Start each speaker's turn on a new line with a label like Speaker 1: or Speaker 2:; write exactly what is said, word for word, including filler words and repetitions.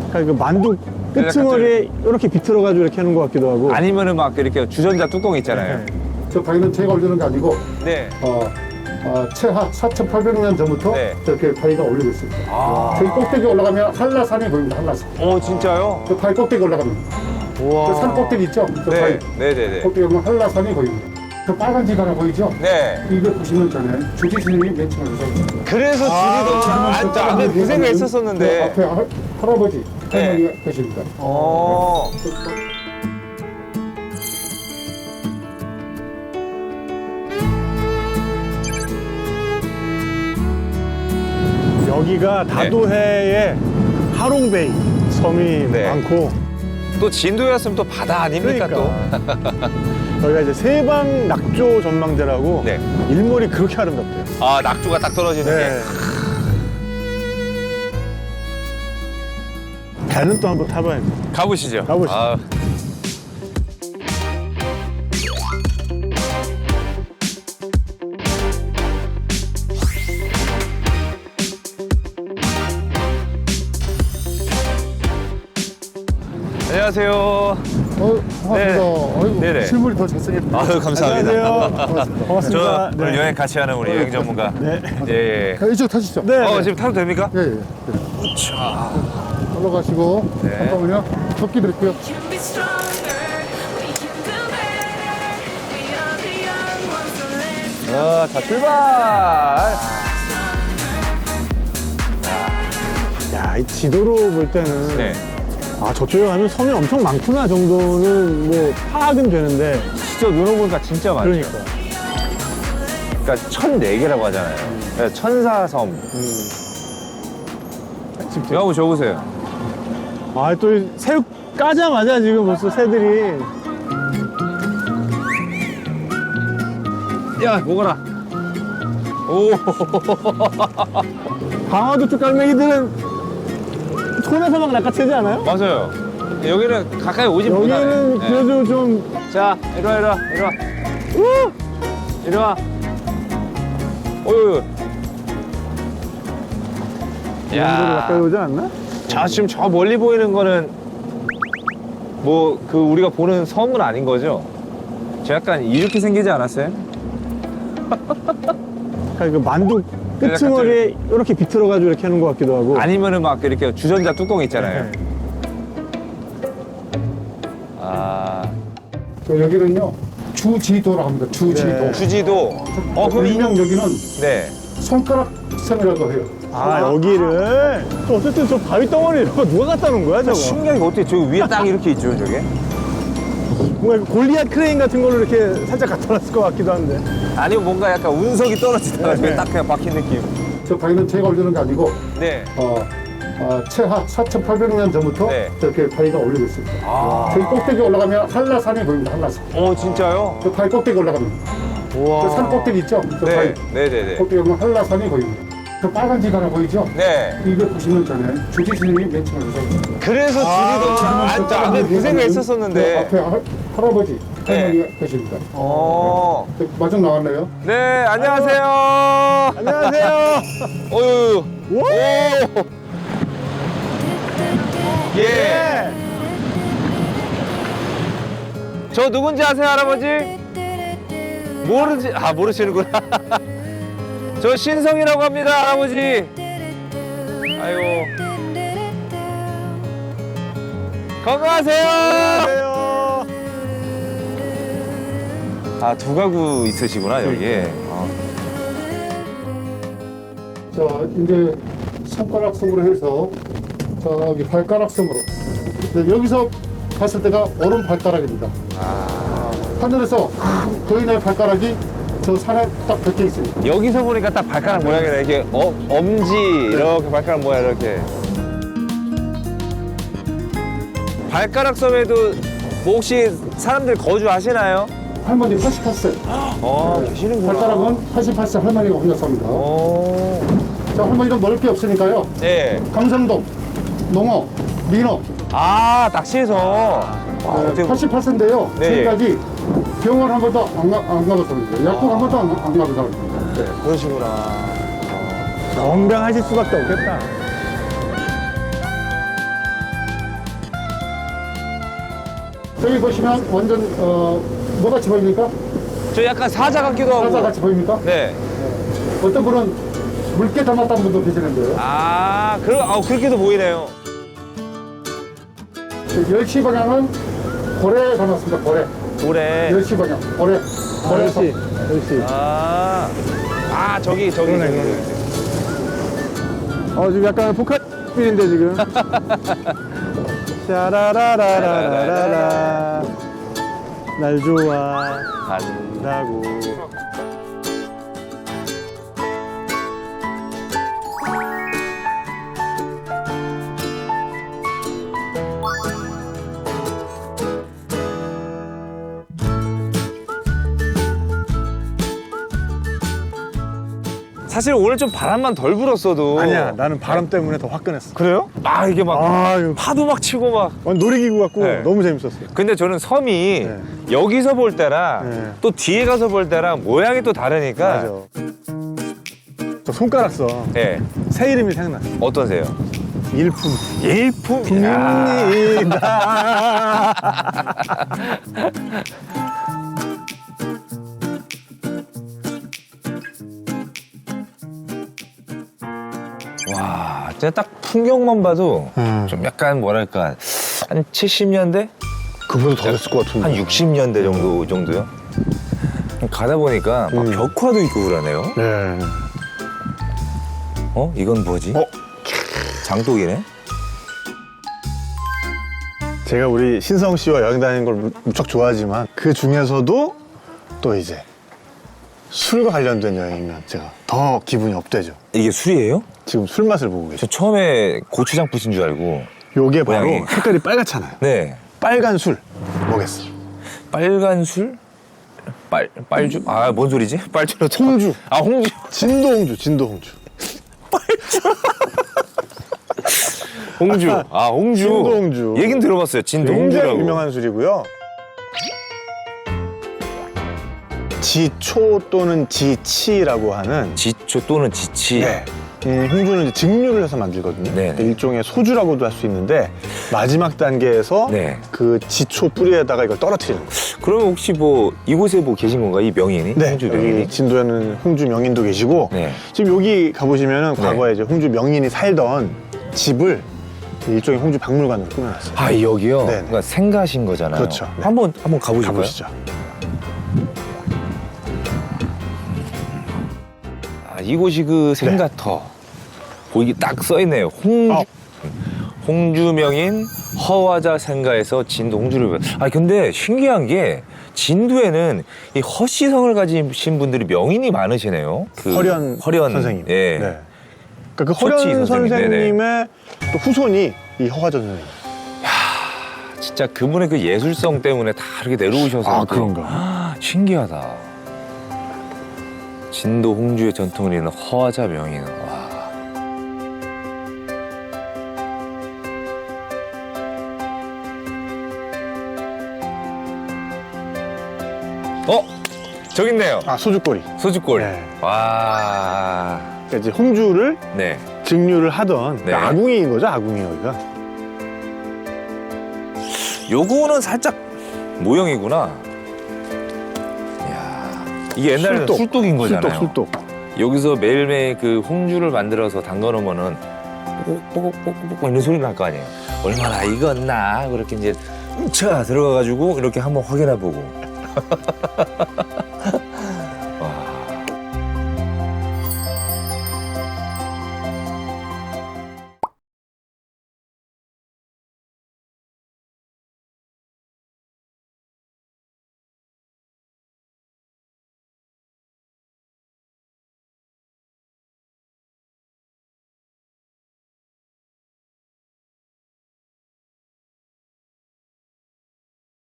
Speaker 1: 그러니까 그 만두 끝머리에 이렇게 비틀어가지고 이렇게 하는 것 같기도 하고.
Speaker 2: 아니면은 막 이렇게 주전자 뚜껑 있잖아요.
Speaker 1: 네.
Speaker 3: 저 바위는 제가 올리는 게 아니고
Speaker 2: 네.
Speaker 3: 어, 어, 최하 사천팔백 년 전부터
Speaker 2: 네.
Speaker 3: 저렇게 바위가 올리고 있습니다.
Speaker 2: 아.
Speaker 3: 저기 꼭대기 올라가면 한라산이 보입니다. 한라산.
Speaker 2: 오, 진짜요?
Speaker 3: 저 바위 꼭대기 올라가면
Speaker 2: 우와.
Speaker 3: 저 산 꼭대기 있죠? 저
Speaker 2: 네.
Speaker 3: 바위
Speaker 2: 네네네.
Speaker 3: 꼭대기 오면 한라산이 보입니다. 저 빨간 집 하나 보이죠?
Speaker 2: 네.
Speaker 3: 이거 보시면 전에 주지 스님이 맨 처음에 오셨어요.
Speaker 2: 그래서 주지도 안, 저 안에 그 생각
Speaker 3: 그
Speaker 2: 있었었는데.
Speaker 3: 앞에 할, 할아버지
Speaker 2: 네.
Speaker 3: 할머니가 계십니다.
Speaker 2: 어.
Speaker 1: 여기가 다도해에 하롱베이 섬이
Speaker 2: 네.
Speaker 1: 많고.
Speaker 2: 또 진도였으면 또 바다 아닙니까
Speaker 1: 그러니까. 여기가 이제 세방 낙조 전망대라고.
Speaker 2: 네.
Speaker 1: 일몰이 그렇게 아름답대요.
Speaker 2: 또? 아, 낙조가 딱 떨어지는
Speaker 1: 네. 배는 또 한번 타봐야지.
Speaker 2: 게. 가보시죠.
Speaker 1: 가보시죠.
Speaker 2: 아. 안녕하세요.
Speaker 3: 어, 반갑습니다.
Speaker 2: 네.
Speaker 3: 어이구,
Speaker 2: 네네.
Speaker 3: 실물이 더 잘생겼다.
Speaker 2: 아유, 감사합니다.
Speaker 1: 안녕하세요. 반갑습니다.
Speaker 2: 저 오늘 여행 같이 하는 우리 여행 전문가.
Speaker 1: 네.
Speaker 2: 예, 예.
Speaker 3: 자, 이쪽 타시죠.
Speaker 1: 네.
Speaker 2: 어, 지금 타도 됩니까?
Speaker 3: 예, 예. 예.
Speaker 2: 자.
Speaker 3: 올라가시고
Speaker 2: 네.
Speaker 3: 잠깐만요. 접기 드릴게요.
Speaker 4: can be stronger. We can do better. We are the young ones, so let's
Speaker 2: 어, 자, 출발!
Speaker 1: 야, 이 지도로 볼 때는.
Speaker 2: 네.
Speaker 1: 아, 저쪽에 가면 섬이 엄청 많구나 정도는 뭐 파악은 되는데.
Speaker 2: 진짜 눈 오보니까 진짜 많죠.
Speaker 1: 그러니까.
Speaker 2: 그러니까 천네 개라고 하잖아요. 그러니까 천사섬.
Speaker 1: 직접.
Speaker 2: 이거 한번 줘보세요.
Speaker 1: 아, 또 이 새우 까자마자 지금 벌써 새들이.
Speaker 2: 야, 먹어라. 오.
Speaker 1: 강화도 쪽 갈매기들은 손에서 막 낚아채지 않아요?
Speaker 2: 맞아요. 여기는 가까이 오지 못하네.
Speaker 1: 여기는
Speaker 2: 네.
Speaker 1: 그래도 좀.
Speaker 2: 자, 이리 와, 이리 와, 이리 와. 우! 이리 와. 어유.
Speaker 1: 이 정도로 가까이 오지 않나?
Speaker 2: 자, 지금 저 멀리 보이는 거는 뭐 그 우리가 보는 섬은 아닌 거죠? 저 약간 이렇게 생기지 않았어요?
Speaker 1: 그러니까 그 만두 끝머리에 이렇게 비틀어가지고 이렇게 하는 것 같기도 하고.
Speaker 2: 아니면은 막 이렇게 주전자 뚜껑 있잖아요.
Speaker 1: 네.
Speaker 2: 아,
Speaker 3: 저 여기는요 주지도라고 합니다. 주지도.
Speaker 1: 네.
Speaker 2: 주지도. 어, 그럼
Speaker 3: 일명 여기는
Speaker 2: 네.
Speaker 3: 손가락 섬이라고 해요.
Speaker 1: 아, 여기를. 또 어쨌든 저 바위 덩어리 이런 거 누가 갖다 놓은 거야, 저거?
Speaker 2: 신기하게 어떻게 저 위에 딱 이렇게 있죠, 저게?
Speaker 1: 뭔가 골리앗 크레인 같은 걸로 이렇게 살짝 갖다 놨을 것 같기도 한데.
Speaker 2: 아니면 뭔가 약간 운석이 떨어지다가 저게
Speaker 1: 네.
Speaker 2: 딱 그냥 박힌 느낌.
Speaker 3: 저 바위는 제가 올리는 게 아니고
Speaker 2: 네.
Speaker 3: 어, 어, 최하 사천팔백 년 전부터
Speaker 2: 네.
Speaker 3: 저렇게 바위가 올리고 있습니다.
Speaker 2: 아.
Speaker 3: 저기 꼭대기 올라가면 한라산이 보입니다. 한라산.
Speaker 2: 어, 진짜요?
Speaker 3: 저 바위 꼭대기 올라가면
Speaker 2: 우와.
Speaker 3: 저 산 꼭대기 있죠? 저
Speaker 2: 네.
Speaker 3: 바위
Speaker 2: 네네네.
Speaker 3: 꼭대기 오면 한라산이 보입니다. 저 빨간 집 하나 보이죠?
Speaker 2: 네.
Speaker 3: 이거 보시면 전에 주지 스님이 맨 처음에 오셨어요.
Speaker 2: 그래서 주지도 안, 저 안에 그 생각
Speaker 3: 그
Speaker 2: 있었었는데.
Speaker 3: 앞에 할, 할아버지
Speaker 2: 네.
Speaker 3: 할머니가 계십니다.
Speaker 2: 어.
Speaker 3: 저 마중 나왔네요.
Speaker 2: 네, 안녕하세요.
Speaker 1: 안녕하세요.
Speaker 2: 어유.
Speaker 1: 오!
Speaker 2: 오. 예.
Speaker 1: 예.
Speaker 2: 저 누군지 아세요, 할아버지? 모르지, 아, 모르시는구나. 저 신성이라고 합니다, 할아버지. 아이고. 건강하세요.
Speaker 1: 안녕하세요.
Speaker 2: 아, 두 가구 있으시구나, 여기에. 어.
Speaker 3: 자, 이제 손가락 섬으로 해서 저기 발가락 섬으로. 네, 여기서 봤을 때가 오른 발가락입니다.
Speaker 2: 아.
Speaker 3: 하늘에서 거인의 발가락이 저 산에 딱 벗겨 있습니다.
Speaker 2: 여기서 보니까 딱 발가락 모양이네. 이렇게 어, 엄지, 이렇게 발가락 모양, 이렇게. 발가락 섬에도 뭐 혹시 사람들 거주하시나요?
Speaker 3: 할머니 팔십팔 세.
Speaker 2: 어, 계시는구나.
Speaker 3: 발가락은 팔십팔 세 할머니가 오셨습니다.
Speaker 2: 오.
Speaker 3: 자, 할머니는 먹을 게 없으니까요.
Speaker 2: 네.
Speaker 3: 강성동, 농어, 민어.
Speaker 2: 아, 낚시해서. 아,
Speaker 3: 네,
Speaker 2: 어떻게.
Speaker 3: 팔십팔 세인데요.
Speaker 2: 네.
Speaker 3: 지금까지 병원 한 번도 안, 가, 안 가봤습니다. 약국 한 번도 안, 안 가봤습니다. 네.
Speaker 2: 그러시구나.
Speaker 1: 건강하실 수밖에 없겠다.
Speaker 3: 저기 보시면 완전 어 뭐같이 보입니까?
Speaker 2: 저 약간 사자 같기도 하고.
Speaker 3: 사자 같이 보입니까?
Speaker 2: 네.
Speaker 3: 어떤 분은 물개 닮았다는 분도 계시는데요.
Speaker 2: 아, 그러, 아 그렇게도 보이네요.
Speaker 3: 열 시 방향은 고래 닮았습니다. 고래.
Speaker 2: 올해.
Speaker 3: 열 시 방향. 고래.
Speaker 1: 아,
Speaker 3: 고래.
Speaker 1: 역시, 역시.
Speaker 2: 아, 아 저기 저기
Speaker 1: 그러네,
Speaker 2: 저기.
Speaker 1: 그러네. 어, 지금 약간 포카빌인데, 지금. 샤라라라라라라. 날 좋아한다고.
Speaker 2: 사실 오늘 좀 바람만 덜 불었어도.
Speaker 1: 아니야, 나는 바람 때문에 더 화끈했어.
Speaker 2: 그래요? 아 이게 막
Speaker 1: 아, 이거
Speaker 2: 파도 막 치고 막.
Speaker 1: 완전 놀이기구 같고
Speaker 2: 네.
Speaker 1: 너무 재밌었어요.
Speaker 2: 근데 저는 섬이
Speaker 1: 네.
Speaker 2: 여기서 볼 때랑
Speaker 1: 네.
Speaker 2: 또 뒤에 가서 볼 때랑 모양이 또 다르니까.
Speaker 1: 맞아. 저 손가락 써.
Speaker 2: 예.
Speaker 1: 새 이름이 생각나.
Speaker 2: 어떠세요?
Speaker 1: 일품.
Speaker 2: 일품. 야.
Speaker 1: 입니다.
Speaker 2: 와, 진짜 딱 풍경만 봐도
Speaker 1: 음.
Speaker 2: 좀 약간 뭐랄까 한 칠십 년대,
Speaker 1: 그보다 더 됐을 것 같은데.
Speaker 2: 한 육십 년대 정도 정도요. 가다 보니까 막
Speaker 1: 음.
Speaker 2: 벽화도 있고 그러네요.
Speaker 1: 네.
Speaker 2: 어? 이건 뭐지?
Speaker 1: 어?
Speaker 2: 장독이네.
Speaker 1: 제가 우리 신성 씨와 여행 다니는 걸 무- 무척 좋아하지만 그 중에서도 또 이제 술과 관련된 여행이면 제가 더 기분이 업되죠.
Speaker 2: 이게 술이에요?
Speaker 1: 지금 술 맛을 보고
Speaker 2: 저
Speaker 1: 계죠.
Speaker 2: 처음에 고추장 뿌신 줄 알고.
Speaker 1: 요게 바로
Speaker 2: 모양이.
Speaker 1: 색깔이 빨갛잖아요.
Speaker 2: 네.
Speaker 1: 빨간 술 뭐겠어?
Speaker 2: 빨간 술? 빨 빨주? 아, 뭔 소리지? 빨주로 쳐.
Speaker 1: 홍주.
Speaker 2: 아, 홍주.
Speaker 1: 진도 홍주, 진도 홍주.
Speaker 2: 홍주. 아, 홍주.
Speaker 1: 진도 홍주.
Speaker 2: 얘긴 들어봤어요. 진도
Speaker 1: 굉장히
Speaker 2: 홍주라고.
Speaker 1: 유명한 술이고요. 지초 또는 지치라고 하는
Speaker 2: 지초 또는 지치.
Speaker 1: 네. 음, 홍주는 이제 증류를 해서 만들거든요.
Speaker 2: 네.
Speaker 1: 일종의 소주라고도 할 수 있는데 마지막 단계에서
Speaker 2: 네.
Speaker 1: 그 지초 뿌리에다가 이걸 떨어뜨리는 거예요.
Speaker 2: 그러면 혹시 뭐 이곳에 뭐 계신 건가? 이 명인이?
Speaker 1: 네.
Speaker 2: 홍주 명인이?
Speaker 1: 여기 진도에는 홍주 명인도 계시고
Speaker 2: 네.
Speaker 1: 지금 여기 가보시면은
Speaker 2: 네.
Speaker 1: 과거에 이제 홍주 명인이 살던 집을 일종의 홍주 박물관으로 꾸며놨어요.
Speaker 2: 아, 여기요?
Speaker 1: 네네.
Speaker 2: 그러니까 생가신 거잖아요.
Speaker 1: 그렇죠. 네.
Speaker 2: 한번 한번 가보실까요?
Speaker 1: 가보시죠.
Speaker 2: 아, 이곳이 그 생가터. 거기 딱 써있네요. 홍주.
Speaker 1: 어.
Speaker 2: 홍주 명인 허화자 생가에서 진도 홍주를. 배- 아, 근데 신기한 게 진도에는 이 허씨성을 가지신 분들이 명인이 많으시네요. 그
Speaker 1: 허련,
Speaker 2: 허련
Speaker 1: 선생님.
Speaker 2: 예.
Speaker 1: 네. 그러니까 그
Speaker 2: 서치
Speaker 1: 허련
Speaker 2: 선생님.
Speaker 1: 선생님의 또 후손이 이 허화전 선생님.
Speaker 2: 진짜 그분의 그 예술성 때문에 다 이렇게 내려오셔서.
Speaker 1: 아,
Speaker 2: 또-
Speaker 1: 그런가?
Speaker 2: 아, 신기하다. 진도 홍주의 전통을 잇는 허화자 명인. 와. 어? 저기 있네요.
Speaker 1: 아, 소주꼬리.
Speaker 2: 소주골.
Speaker 1: 네.
Speaker 2: 와.
Speaker 1: 그러니까 이제 홍주를
Speaker 2: 네.
Speaker 1: 증류를 하던
Speaker 2: 네.
Speaker 1: 아궁이인 거죠, 아궁이 여기가.
Speaker 2: 요거는 살짝 모형이구나. 이야. 이게 옛날에는
Speaker 1: 술독.
Speaker 2: 술독인 거잖아요.
Speaker 1: 술독, 술독.
Speaker 2: 여기서 매일매일 그 홍주를 만들어서 담가놓으면은 뽁뽁뽁뽁 이런 소리 날 거 아니에요. 얼마나 익었나 그렇게 이제 차 들어가가지고 이렇게 한번 확인해보고.